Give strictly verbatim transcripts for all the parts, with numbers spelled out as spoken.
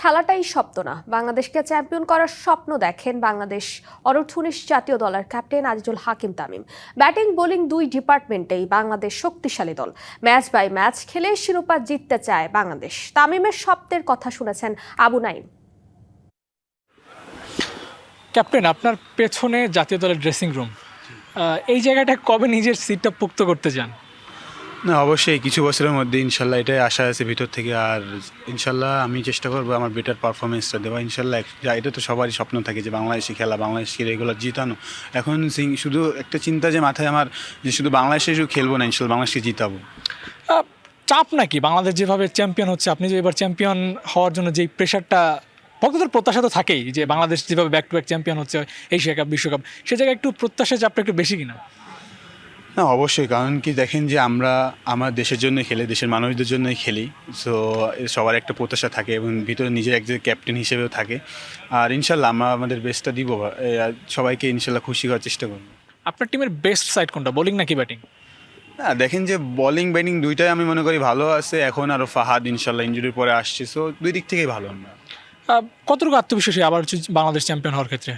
খেলাটাই স্বপ্ন না, বাংলাদেশকে চ্যাম্পিয়ন করার স্বপ্ন দেখেন বাংলাদেশ অনূর্ধ্ব উনিশ জাতীয় দলের captain Azizul Hakim Tamim. Batting bowling দুই ডিপার্টমেন্টেই বাংলাদেশ শক্তিশালী দল। ম্যাচ বাই ম্যাচ খেলে শিরোপা জিততে চায় বাংলাদেশ। তামিমের স্বপ্নের কথা শুনেছেন আবু নাইম। ক্যাপ্টেন, আপনার পেছনে জাতীয় দলের ড্রেসিং রুম, এই জায়গাটা কবে নিজের সিটটা পুক্ত করতে চান? না, অবশ্যই কিছু বছরের মধ্যে ইনশাল্লাহ এটাই আশা আছে ভিতর থেকে। আর ইনশাল্লাহ আমি চেষ্টা করবো আমার বেটার পারফরমেন্সটা দেওয়া। ইনশাল্লাহ এটা তো সবারই স্বপ্ন থাকে যে বাংলাদেশি খেলা, বাংলাদেশকে রেগুলার জিতানো। এখন শুধু একটা চিন্তা যে মাথায় আমার যে শুধু বাংলাদেশে শুধু খেলবো না, ইনশাল্লাহ বাংলাদেশকে জিতাবো। চাপ নাকি বাংলাদেশ যেভাবে চ্যাম্পিয়ন হচ্ছে, আপনি যে এবার চ্যাম্পিয়ন হওয়ার জন্য যেই প্রেশারটা, ভক্তদের প্রত্যাশা তো থাকেই যে বাংলাদেশ যেভাবে ব্যাক টু ব্যাক চ্যাম্পিয়ন হচ্ছে এশিয়া কাপ, বিশ্বকাপ, সে জায়গায় একটু প্রত্যাশা চাপটা একটু বেশি কিনা? না, অবশ্যই। কারণ কি দেখেন যে আমরা আমার দেশের জন্য খেলি, দেশের মানুষদের জন্যই খেলি। সো সবার একটা প্রত্যাশা থাকে এবং ভিতরে নিজের একজন ক্যাপ্টেন হিসেবেও থাকে। আর ইনশাল্লাহ আমরা আমাদের বেস্টটা দিব, সবাইকে ইনশাল্লাহ খুশি করার চেষ্টা করব। আপনার টিমের বেস্ট সাইড কোনটা, বোলিং নাকি ব্যাটিং? না, দেখেন যে বোলিং ব্যাটিং দুইটাই আমি মনে করি ভালো আছে। এখন আরও ফাহাদ ইনশাল্লাহ ইনজুরির পরে আসছে, সো দুই দিক থেকেই ভালো। আমরা কতটুকু আত্মবিশ্বাসী আবার বাংলাদেশ চ্যাম্পিয়ন হওয়ার ক্ষেত্রে?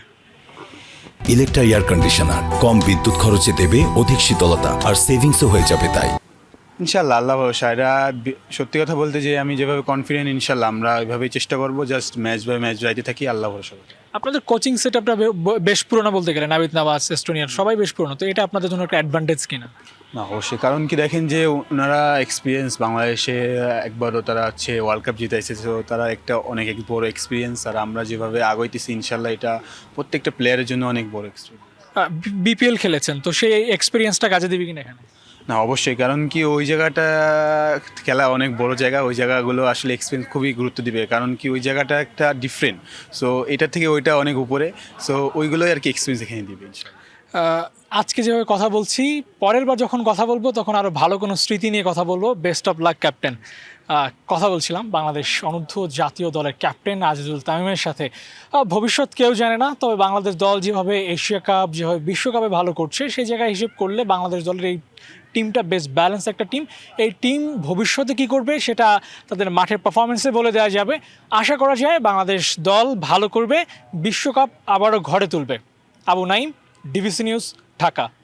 ইলেকট্রা এয়ার কন্ডিশনার কম বিদ্যুৎ খরচে দেবে অধিক শীতলতা, আর সেভিংসও হয়ে যাবে তাই। ইনশাল্লাহ আল্লাহ ভরসা। এটা সত্যি কথা বলতে যে আমি যেভাবে কনফিডেন্ট, ইনশাল্লাহ আমরা ওইভাবেই চেষ্টা করবো। জাস্ট ম্যাচ বাই ম্যাচ যাইতে থাকি, আল্লাহ ভরসা। আপনাদের কোচিং সেট আপটা বেশ পুরোনো বলতে গেলে, নাবিদ নওয়াজ, এস্টোনিয়ার সবাই বেশ পুরোনো, তো এটা আপনাদের জন্য একটা অ্যাডভান্টেজ কিনা? না, অবশ্যই। কারণ কি দেখেন যে ওনারা এক্সপিরিয়েন্স, বাংলাদেশে একবারও তারা হচ্ছে ওয়ার্ল্ড কাপ জিতাইছে, তো তারা একটা অনেক বড় এক্সপিরিয়েন্স। আর আমরা যেভাবে আগাইতেছি ইনশাল্লাহ এটা প্রত্যেকটা প্লেয়ারের জন্য অনেক বড় এক্সপিরিয়েন্স। বিপিএল খেলেছেন, তো সেই এক্সপিরিয়েন্সটা কাজে দিবে কিনা এখানে? না, অবশ্যই। কারণ কি ওই জায়গাটা খেলা অনেক বড় জায়গা, ওই জায়গাগুলো আসলে এক্সপিরিয়েন্স খুবই গুরুত্ব দিবে। কারণ কি ওই জায়গাটা একটা ডিফারেন্ট, সো এটা থেকে ওইটা অনেক উপরে, সো ওইগুলোই আর কি এক্সপিরিয়েন্স এখানে দিবে ইনশাল্লাহ। আজকে যেভাবে কথা বলছি, পরের বার যখন কথা বলবো তখন আরও ভালো কোনো স্মৃতি নিয়ে কথা বলবো। Best of luck captain. কথা বলছিলাম বাংলাদেশ অনূর্ধ্ব জাতীয় দলের ক্যাপ্টেন আজিজুল তামিমের সাথে। ভবিষ্যৎ কেউ জানে না, তবে বাংলাদেশ দল যেভাবে এশিয়া কাপ, যেভাবে বিশ্বকাপে ভালো করছে, সেই জায়গায় হিসেব করলে বাংলাদেশ দলের এই টিমটা বেশ ব্যালেন্স একটা টিম। এই টিম ভবিষ্যতে কী করবে সেটা তাদের মাঠের পারফরমেন্সে বলে দেওয়া যাবে। আশা করা যায় বাংলাদেশ দল ভালো করবে, বিশ্বকাপ আবারও ঘরে তুলবে। Abu Naim, DBC news, Dhaka.